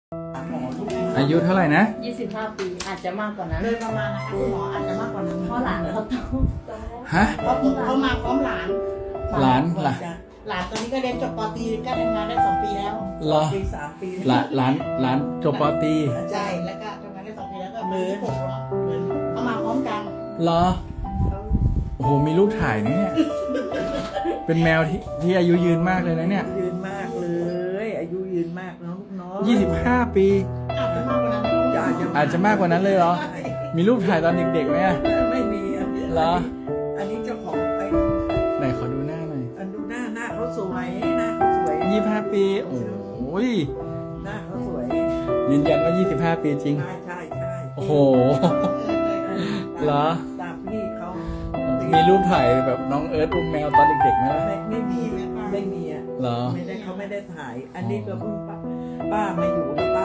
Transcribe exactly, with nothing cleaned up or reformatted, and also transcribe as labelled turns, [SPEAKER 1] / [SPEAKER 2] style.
[SPEAKER 1] อายุเท่าไหร่นะ
[SPEAKER 2] ยี่สิบห้าปีอาจจะมากกว่านั้น
[SPEAKER 3] โดยประมาณนะคะคุณหมออาจจะมากกว่านั้น
[SPEAKER 2] เพราะหลานเขาโต
[SPEAKER 1] ฮะ
[SPEAKER 3] เพราะเขามาพร้อมหลาน
[SPEAKER 1] หลานหลาน
[SPEAKER 3] หลานตอนนี้ก็เรียนจบป.ตรีก็ทำงานได้สองปีแล้ว
[SPEAKER 1] เหรอ
[SPEAKER 3] ปีสามปี
[SPEAKER 1] หลานหลานหลานจบปอตรี
[SPEAKER 3] ใช่แล้วก็ทำงานได้สองปีแล้วก็เหมือนผมเหมือนเขามาพร้อมกัน
[SPEAKER 1] เหรอโอ้โหมีรูปถ่ายนะเนี่ยเป็นแมวที่ที่อายุยืนมากเลยนะเนี่ย
[SPEAKER 4] ยืนมากเลย อายุยืนมากเนาะลูกเนาะ
[SPEAKER 1] ยี่สิบห้าปี
[SPEAKER 3] อาจจะมากกว่านั้น
[SPEAKER 1] อาจจะมากกว่านั้นเลยเหรอ มีรูปถ่ายตอนเด็กๆไหมอะ
[SPEAKER 4] ไม่มีอะ
[SPEAKER 1] เหรอ
[SPEAKER 4] อันนี้เจ้าของไอ้
[SPEAKER 1] ไหนขอดูหน้าหน่อย
[SPEAKER 4] อันดูหน้าหน้าเขาสวยหน้าเขาสวย
[SPEAKER 1] ยี่สิบห้าปีโอ้ย
[SPEAKER 4] หน้าเขาสวย
[SPEAKER 1] ยืนยันว่ายี่สิบห้าปีจริง
[SPEAKER 4] ใช่ใช่ใช่
[SPEAKER 1] โอ้โห เหรอ
[SPEAKER 4] ตามพี่เขา
[SPEAKER 1] มีรูปถ่ายแบบน้องเอิร์ธอุ้มแมวตอนเด็กๆไหมล่ะ
[SPEAKER 4] ไม่ไม่มีไม่มีอ่ะ
[SPEAKER 1] เหรอ
[SPEAKER 4] ไม่ได้เขาไม่ได้ถ่าย อันนี้ก็เพิ่งป้าป้ามาอยู่แล้ว